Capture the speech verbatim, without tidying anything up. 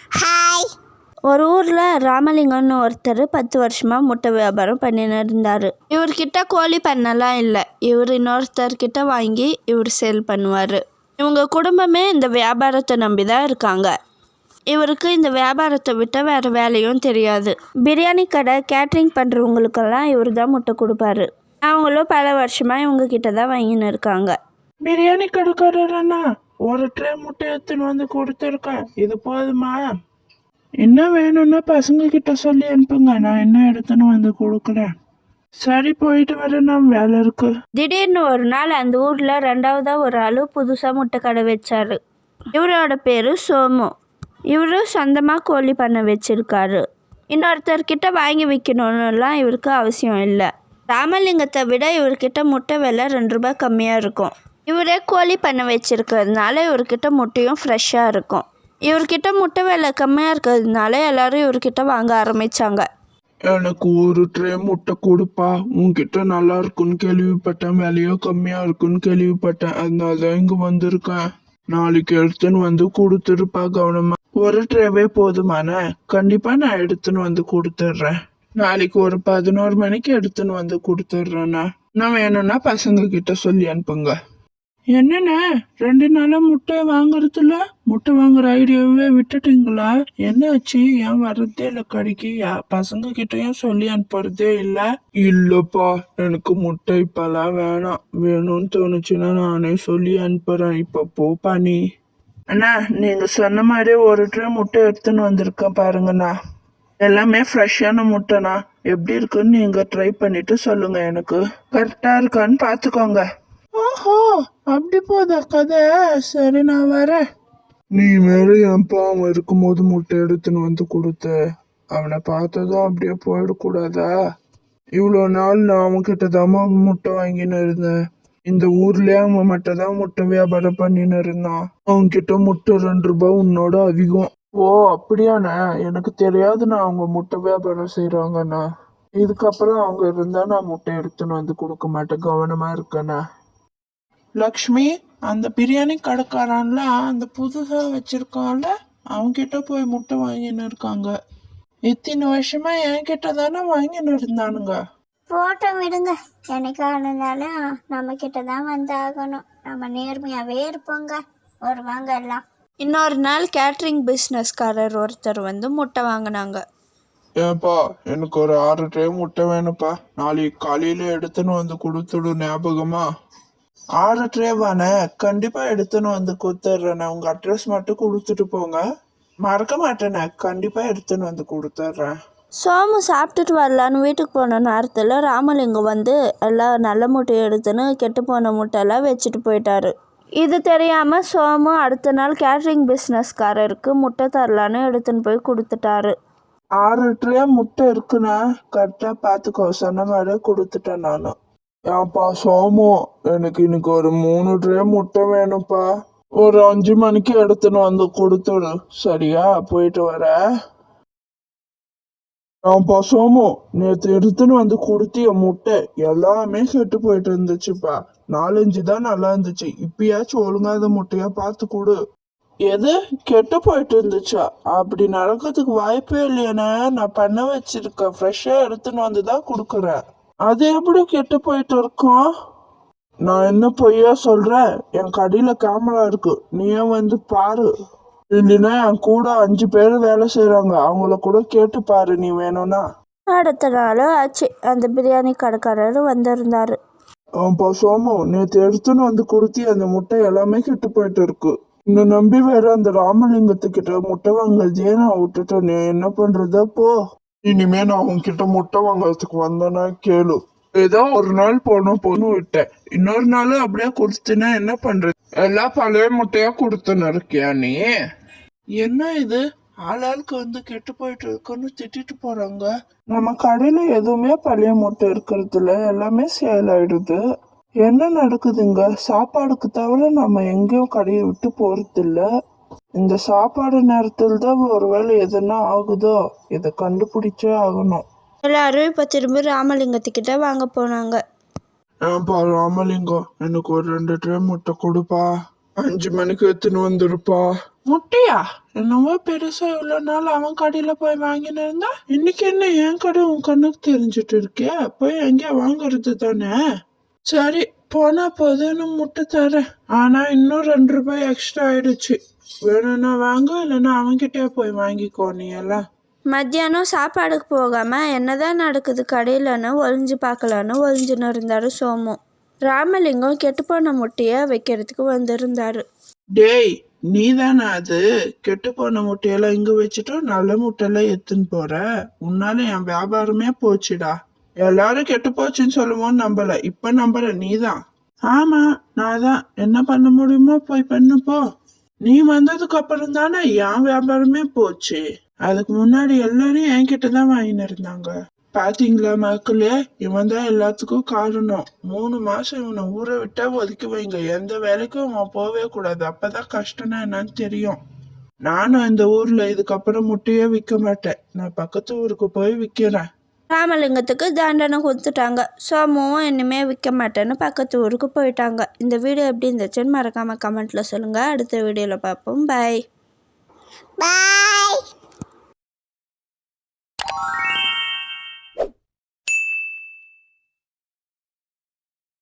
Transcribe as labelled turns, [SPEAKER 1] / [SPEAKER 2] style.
[SPEAKER 1] Hi. ஒரு ஊரில் ராமலிங்கம்னு ஒருத்தர் பத்து வருஷமாக முட்டை வியாபாரம் பண்ணின்னு இருந்தார். இவர்கிட்ட கோழி பண்ணலாம் இல்லை. இவர் இன்னொருத்தர்கிட்ட வாங்கி இவர் சேல் பண்ணுவார். இவங்க குடும்பமே இந்த வியாபாரத்தை நம்பி தான் இருக்காங்க. இவருக்கு இந்த வியாபாரத்தை விட்ட வேறு வேலையும் தெரியாது. பிரியாணி கடை கேட்ரிங் பண்ணுறவங்களுக்கெல்லாம் இவர் தான் முட்டை கொடுப்பாரு. அவங்களும் பல வருஷமாக இவங்க கிட்ட தான் வாங்கின்னு இருக்காங்க.
[SPEAKER 2] பிரியாணி கடைக்காரண்ணா, ஒரு ட்ரே முட்டை எடுத்துன்னு வந்து கொடுத்துருக்கேன், இது போதுமா? என்ன வேணும்னா பசங்க கிட்ட சொல்லி அனுப்புங்க, நான் என்ன எடுத்துன்னு வந்து கொடுக்குறேன். சரி, போயிட்டு வரேன், நான் வேலை இருக்கு.
[SPEAKER 1] திடீர்னு ஒரு நாள் அந்த ஊரில் ரெண்டாவதா ஒரு ஆள் புதுசாக முட்டை கடை வச்சாரு. இவரோட பேர் சோமு. இவரு சொந்தமாக கோழி பண்ண வச்சிருக்காரு. இன்னொருத்தர்கிட்ட வாங்கி விற்கணும்னுலாம் இவருக்கு அவசியம் இல்லை. ராமலிங்கத்தை விட இவர்கிட்ட முட்டை விலை ரெண்டு ரூபாய் கம்மியாக இருக்கும். இவரே கோழி பண்ண வச்சிருக்கிறதுனால இவர்கிட்ட முட்டையும் ஃப்ரெஷ்ஷாக இருக்கும். இவர்கிட்ட முட்டை விலை கம்மியாக இருக்கிறதுனால எல்லாரும் இவர்கிட்ட வாங்க ஆரம்பித்தாங்க.
[SPEAKER 2] எனக்கு ஒரு ட்ரே முட்டை கொடுப்பா, உன்கிட்ட நல்லா இருக்குன்னு கேள்விப்பட்டேன், விலையும் கம்மியாக இருக்குன்னு கேள்விப்பட்டேன், அதனால தான் இங்கே வந்திருக்கேன். நாளைக்கு எடுத்துன்னு வந்து கொடுத்துருப்பா, கவனமா. ஒரு ட்ரேவே போதுமானே? கண்டிப்பா நான் எடுத்துன்னு வந்து கொடுத்துட்றேன். நாளைக்கு ஒரு பதினோரு மணிக்கு எடுத்துன்னு வந்து கொடுத்துட்றேண்ணா. நான் வேணும்னா பசங்க கிட்ட சொல்லி அனுப்புங்க. என்னண்ணே, ரெண்டு நாளா முட்டை வாங்குறதுல முட்டை வாங்குற ஐடியாவே விட்டுட்டீங்களா? என்னாச்சு? ஏன் வர்றதே இல்லை கடைக்கு? பசங்க கிட்டயும் சொல்லி அனுப்புறதே இல்லை. இல்லப்பா, எனக்கு முட்டை இப்பெல்லாம் வேணாம். வேணும்னு தோணுச்சுன்னா நானே சொல்லி அனுப்புறேன். இப்ப போப்பா நீ. அண்ணா, நீங்க சொன்ன மாதிரி ஒரு ட்ரே முட்டை எடுத்துன்னு வந்திருக்கேன் பாருங்கண்ணா. எல்லாமே ஃப்ரெஷ்ஷான முட்டைண்ணா. எப்படி இருக்குன்னு நீங்க ட்ரை பண்ணிட்டு சொல்லுங்க, எனக்கு கரெக்டா இருக்கான்னு பாத்துக்கோங்க. ஓஹோ, அப்படி போதா கதை? சரி, நான் வரேன். நீ மேல என்ப்பா அவன் இருக்கும்போது முட்டை எடுத்துன்னு வந்து கொடுத்த, அவனை பார்த்ததும் அப்படியே போயிடக்கூடாதா? இவ்வளோ நாள் நான் அவன்கிட்ட தான் முட்டை வாங்கின்னு இருந்தேன். இந்த ஊர்லயே அவன் மட்டும் தான் முட்டை வியாபாரம் பண்ணின்னு இருந்தான். அவன்கிட்ட முட்டை ரெண்டு ரூபாய் உன்னோட அதிகம். ஓ, அப்படியாண்ணா? எனக்கு தெரியாதுண்ணா அவங்க முட்டை வியாபாரம் செய்யறாங்கண்ணா. இதுக்கப்புறம் அவங்க இருந்தா நான் முட்டை எடுத்துன்னு வந்து கொடுக்க மாட்டேன், கவனமா இருக்கேண்ணா. லக்ஷ்மி, அந்த பிரியாணி கடைக்காரன்ல அந்த புதுசா வச்சிருக்கான்ல, அவன்கிட்ட போய் முட்டை வாங்கின்னு இருக்காங்க. இத்தனை வருஷமா என்கிட்ட தானே வாங்கின்னு இருந்தானுங்க.
[SPEAKER 3] போட்டோ விடுங்க, என்னைக்கானாலும் நம்ம கிட்ட தான் வந்து ஆகணும். நம்ம நேர்மையாவே இருப்போங்க, வருவாங்க எல்லாம்.
[SPEAKER 1] இன்னொரு நாள் கேட்ரிங் பிஸ்னஸ்காரர் ஒருத்தர் வந்து முட்டை வாங்கினாங்க.
[SPEAKER 2] ஏப்பா, எனக்கு ஒரு ஆறு ட்ரே முட்டை வேணும்ப்பா. நாளைக்கு காலையில எடுத்துன்னு வந்து கொடுத்துடு, ஞாபகமா? ஆறு ட்ரேவானே? கண்டிப்பா எடுத்துன்னு வந்து கொடுத்துட்றேண்ணே. உங்க அட்ரஸ் மட்டும் கொடுத்துட்டு போங்க, மறக்க மாட்டேண்ணே. கண்டிப்பா எடுத்துன்னு வந்து கொடுத்துட்றேன்.
[SPEAKER 1] சோமு சாப்பிட்டுட்டு வரலான்னு வீட்டுக்கு போன நேரத்தில் ராமலிங்கம் வந்து எல்லாம் நல்ல முட்டையை எடுத்துன்னு கெட்டு போன முட்டையெல்லாம் வச்சுட்டு போயிட்டாரு. இது தெரியாமல் சோமு அடுத்த நாள் கேட்ரிங் பிஸ்னஸ்காரருக்கு முட்டை தரலான்னு எடுத்துன்னு போய் கொடுத்துட்டாரு.
[SPEAKER 2] ஆறு ட்ரே முட்டை இருக்குண்ணா, கரெக்டா பார்த்துக்கோ, சொன்ன மாதிரியே கொடுத்துட்டேன் நானு. ஏன்ப்பா சோமு, எனக்கு இன்னைக்கு ஒரு மூணு ட்ரே முட்டை வேணும்ப்பா. ஒரு அஞ்சு மணிக்கு எடுத்துன்னு வந்து கொடுத்துடு, சரியா? போயிட்டு வர. ஏன்ப்பா சோமு, நேற்று எடுத்துன்னு வந்து கொடுத்திய முட்டை எல்லாமே கெட்டு போயிட்டு இருந்துச்சுப்பா. நாலஞ்சு தான் நல்லா இருந்துச்சு. இப்பயாச்சும் ஒழுங்காத முட்டையா பார்த்து கொடு. எது கெட்டு போயிட்டு இருந்துச்சா? அப்படி நடக்கிறதுக்கு வாய்ப்பே இல்லையானே. நான் பண்ண வச்சிருக்கேன், ஃப்ரெஷ்ஷா எடுத்துன்னு வந்து தான் கொடுக்குறேன். அது எப்படி கெட்டு போயிட்டு இருக்கும்? நான் என்ன பொய்யா சொல்றேன்? என் கடையில கேமரா இருக்கு, நீயே வந்து பாரு. இல்லைன்னா என் கூட அஞ்சு பேர் வேலை செய்யறாங்க, அவங்கள கூட கேட்டு பாரு நீ வேணும்னா.
[SPEAKER 1] அடுத்த நாள் ஆச்சு, அந்த பிரியாணி கடைக்காரர் வந்திருந்தாரு.
[SPEAKER 2] ஆப்பா சோமு, நேற்று எடுத்துன்னு வந்து கொடுத்தி அந்த முட்டை எல்லாமே கெட்டு போயிட்டு இருக்கு. இந்த நம்பி வேற அந்த ராமலிங்கத்துக்கிட்ட முட்டை வாங்குறதே நான் விட்டுட்டேன். நீ என்ன பண்றதா போ. இனிமே நான் உன்கிட்ட முட்டை வாங்குறதுக்கு வந்தேன்னா கேளு. ஏதோ ஒரு நாள் போனோம் பொண்ணு விட்டேன், இன்னொரு நாள் அப்படியே கொடுத்துனா என்ன பண்றது? எல்லாம் பழைய முட்டையா கொடுத்துன்னு இருக்கியா நீ? என்ன இது, ஆளாளுக்கு வந்து கெட்டு போயிட்டு இருக்குன்னு திட்டிட்டு போறாங்க. நம்ம கடையில எதுவுமே பழைய முட்டை இருக்கிறது இல்ல, எல்லாமே சேல் ஆயிடுது. என்ன நடக்குதுங்க? சாப்பாடுக்கு தவிர நம்ம எங்கேயும் கடையை விட்டு போறது இல்ல. இந்த சாப்பாடு நேரத்தில் தான் ஒருவேளை எதுனா ஆகுதோ, இதை கண்டுபிடிச்சே ஆகணும்.
[SPEAKER 1] எல்லாரும் இப்போ திரும்பி ராமலிங்கத்துக்கிட்ட வாங்க போனாங்க.
[SPEAKER 2] ஏன்பா ராமலிங்கம், எனக்கு ஒரு ரெண்டு ட்ரே முட்டை கொடுப்பா. அஞ்சு மணிக்கு எடுத்துன்னு வந்துருப்பா. முட்டையா? என்னவோ பெருசா இவ்வளவு நாள் அவன் கடையில போய் வாங்கின்னு இருந்தா, இன்னைக்கு என்ன என் கடை உன் கண்ணுக்கு தெரிஞ்சிட்டு இருக்கே? போய் எங்கேயா வாங்குறது தானே. சரி போனா போதுன்னு முட்டை தரேன். ஆனா இன்னும் ரெண்டு ரூபாய் எக்ஸ்ட்ரா ஆயிடுச்சு. வேணும்னா வாங்க, இல்லைன்னா அவன்கிட்டயே போய் வாங்கிக்கோ நீ எல்லாம்.
[SPEAKER 1] மத்தியானம் சாப்பாடுக்கு போகாமல் என்னதான் நடக்குது கடையிலன்னு ஒளிஞ்சு பார்க்கலான்னு ஒளிஞ்சுன்னு இருந்தார் சோமு. ராமலிங்கம் கெட்டுப்போன முட்டையை வைக்கிறதுக்கு வந்திருந்தாரு.
[SPEAKER 2] டேய் நீ தானே அது? கெட்டு போன முட்டையெல்லாம் இங்க வச்சுட்டு நல்ல முட்டையெல்லாம் எடுத்துன்னு போற. உன்னால என் வியாபாரமே போச்சுடா. எல்லாரும் கெட்டு போச்சுன்னு சொல்லுவோம் நம்பல, இப்ப நம்புற நீதான். ஆமா நான் தான். என்ன பண்ண முடியுமோ போய் பண்ணு போ. நீ வந்ததுக்கு அப்புறம் தானே என் வியாபாரமே போச்சு. அதுக்கு முன்னாடி எல்லாரும் என்கிட்ட தான் வாங்கின்னு இருந்தாங்க. பாத்தீங்களா மக்களே, இவன் தான் எல்லாத்துக்கும் காரணம். மூணு மாசம் இவனை ஊரை விட்டா ஒதுக்கி வைங்க. எந்த வேலைக்கும் அவன் போவே கூடாது. அப்பதான் கஷ்டம்னா என்னன்னு தெரியும். நானும் இந்த ஊர்ல இதுக்கப்புறம் முட்டையே விற்க மாட்டேன். நான் பக்கத்து ஊருக்கு போய் விற்கிறேன்.
[SPEAKER 1] ராமலிங்கத்துக்கு தண்டனை கொடுத்துட்டாங்க. சோமுவும் இனிமே விற்க மாட்டேன்னு பக்கத்து ஊருக்கு போயிட்டாங்க. இந்த வீடியோ எப்படி இருந்துச்சுன்னு மறக்காமல் கமெண்ட்டில் சொல்லுங்கள். அடுத்த வீடியோவில் பார்ப்போம். பாய்
[SPEAKER 3] பாய்.